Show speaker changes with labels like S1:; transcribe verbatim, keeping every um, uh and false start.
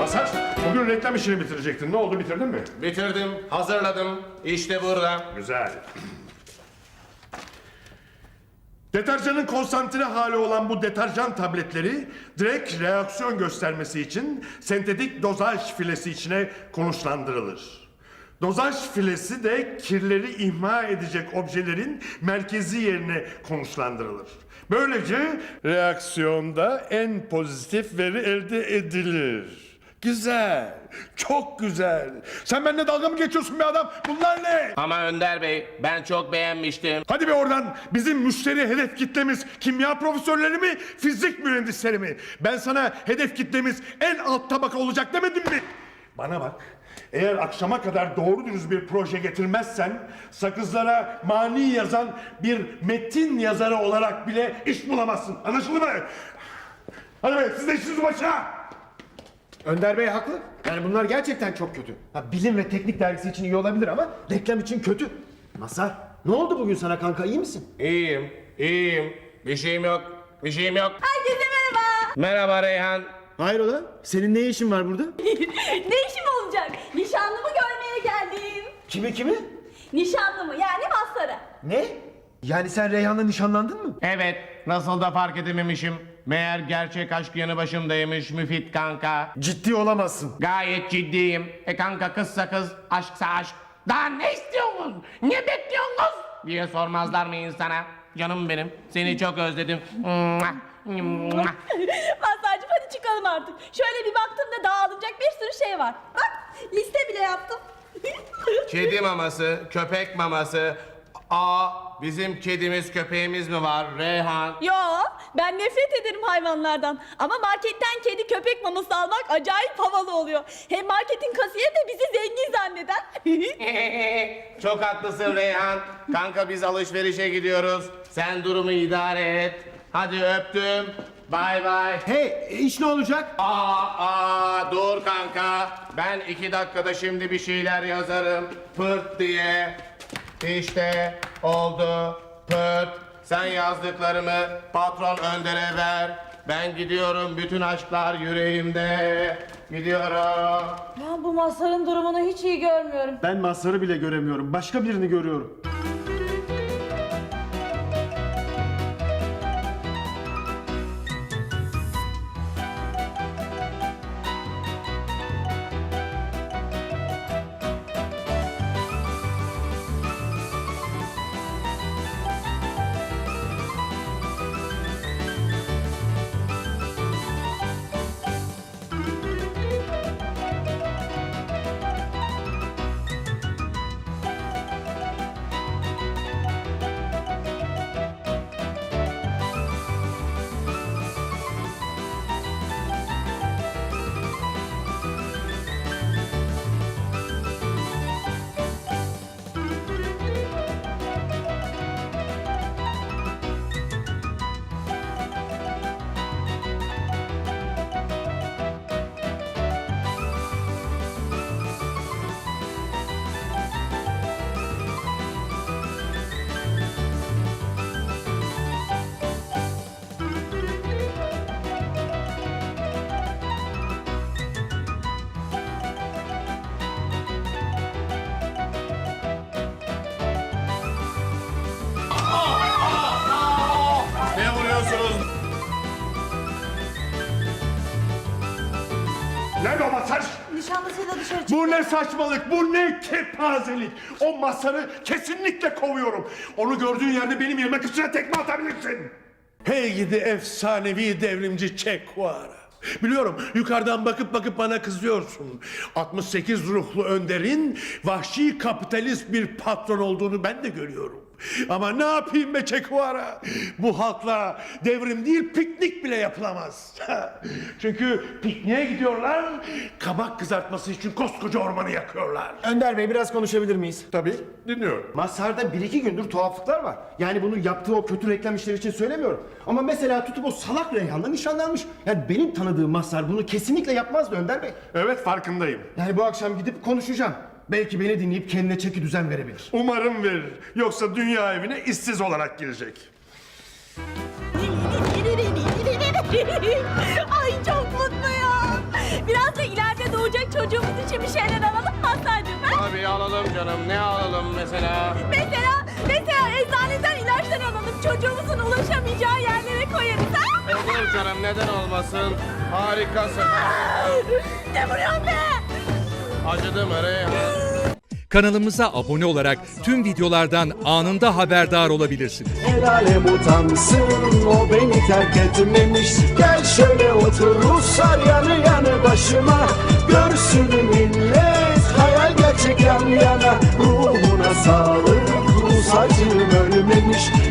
S1: Mazhar, bugün reklam işini bitirecektin. Ne oldu, bitirdin mi?
S2: Bitirdim, hazırladım. İşte burada.
S1: Güzel. Deterjanın konsantre hali olan bu deterjan tabletleri direkt reaksiyon göstermesi için sentetik dozaj filesi içine konuşlandırılır. Dozaj filesi de kirleri imha edecek objelerin merkezi yerine konuşlandırılır. Böylece reaksiyonda en pozitif veri elde edilir. Güzel, çok güzel. Sen benimle dalga mı geçiyorsun be adam? Bunlar ne?
S2: Ama Önder Bey, ben çok beğenmiştim.
S1: Hadi be oradan. Bizim müşteri hedef kitlemiz kimya profesörleri mi, fizik mühendisleri mi? Ben sana hedef kitlemiz en alt tabaka olacak demedim mi? Bana bak. Eğer akşama kadar doğru dürüst bir proje getirmezsen sakızlara mani yazan bir metin yazarı olarak bile iş bulamazsın. Anlaşıldı mı? Hadi be, siz de işinizi başına.
S3: Önder Bey haklı. Yani bunlar gerçekten çok kötü. Ha, bilim ve teknik dergisi için iyi olabilir ama reklam için kötü. Mazhar, ne oldu bugün sana kanka, iyi misin?
S2: İyiyim, iyiyim. Bir şeyim yok, bir şeyim yok.
S4: Herkese merhaba.
S2: Merhaba Reyhan.
S3: Hayrola? Senin ne işin var burada?
S4: Ne işim olacak? Nişanlımı görmeye geldim.
S3: Kimi kimi?
S4: Nişanlımı yani Mazhar'ı.
S3: Ne? Yani sen Reyhan'la nişanlandın mı?
S2: Evet, nasıl da fark edememişim. Meğer gerçek aşk yanı başımdaymış Müfit kanka.
S3: Ciddi olamazsın.
S2: Gayet ciddiyim. E kanka kızsa kız, aşksa aşk. Daha ne istiyorsunuz? Ne bekliyorsunuz? Diye sormazlar mı insana? Canım benim, seni çok özledim. Mua, mua.
S4: Mazhar'cığım hadi çıkalım artık. Şöyle bir baktım da dağılacak bir sürü şey var. Bak liste bile yaptım.
S2: Kedi maması, köpek maması. Aa, bizim kedimiz köpeğimiz mi var Reyhan?
S4: Yo, ben nefret ederim hayvanlardan. Ama marketten kedi köpek maması almak acayip havalı oluyor. Hem marketin kasiyeri de bizi zengin zanneder.
S2: Çok haklısın Reyhan. Kanka biz alışverişe gidiyoruz. Sen durumu idare et. Hadi öptüm. Bay bay.
S3: Hey, e, iş ne olacak?
S2: Aa, aa, dur kanka. Ben iki dakikada şimdi bir şeyler yazarım. Pırt diye. İşte oldu. Pırt. Sen yazdıklarımı patron Önder'e ver. Ben gidiyorum, bütün aşklar yüreğimde. Gidiyorum.
S4: Ben bu Mazhar'ın durumunu hiç iyi görmüyorum.
S3: Ben Mazhar'ı bile göremiyorum. Başka birini görüyorum.
S2: Ne vuruyorsunuz?
S1: Nerede o Mazhar?
S4: Nişanlısıyla dışarı çıktı.
S1: Bu ne saçmalık, bu ne kepazelik. O Mazhar'ı kesinlikle kovuyorum. Onu gördüğün yerde benim yerime kıçına tekme atabilirsin. Hey gidi efsanevi devrimci Che Guevara. Biliyorum yukarıdan bakıp bakıp bana kızıyorsun. altmış sekiz ruhlu Önder'in vahşi kapitalist bir patron olduğunu ben de görüyorum. Ama ne yapayım be Che Guevara? Bu halkla devrim değil piknik bile yapılamaz. Çünkü pikniğe gidiyorlar, kabak kızartması için koskoca ormanı yakıyorlar.
S3: Önder Bey, biraz konuşabilir miyiz?
S1: Tabii, dinliyorum.
S3: Mazhar'da bir iki gündür tuhaflıklar var. Yani bunu yaptığı o kötü reklam işleri için söylemiyorum. Ama mesela tutup o salak Reyhan'la nişanlanmış. Yani benim tanıdığım Mazhar bunu kesinlikle yapmazdı Önder Bey.
S1: Evet, farkındayım.
S3: Yani bu akşam gidip konuşacağım. Belki beni dinleyip kendine çeki düzen verebilir.
S1: Umarım verir. Yoksa dünya evine işsiz olarak girecek.
S4: Ay çok mutluyum. Biraz da ileride olacak, çocuğumuz için bir şeyler alalım mı Hasan'cığım? Ha?
S2: Tabii alalım canım. Ne alalım mesela?
S4: Mesela, mesela eczaneden ilaçlar alalım. Çocuğumuzun ulaşamayacağı yerlere koyarız. Ha?
S2: Olur canım, neden olmasın? Harikasın.
S4: Ne vuruyorsun be?
S2: Acıdı mı Reyhan?
S5: Kanalımıza abone olarak tüm videolardan anında haberdar olabilirsiniz.
S6: El alem utansın, o beni terk etmemiş. Gel şöyle otur Ruslar yanı yanı başıma. Görsün millet, hayal gerçek yan yana. Ruhuna sağlık, Rus acım ölmemiş.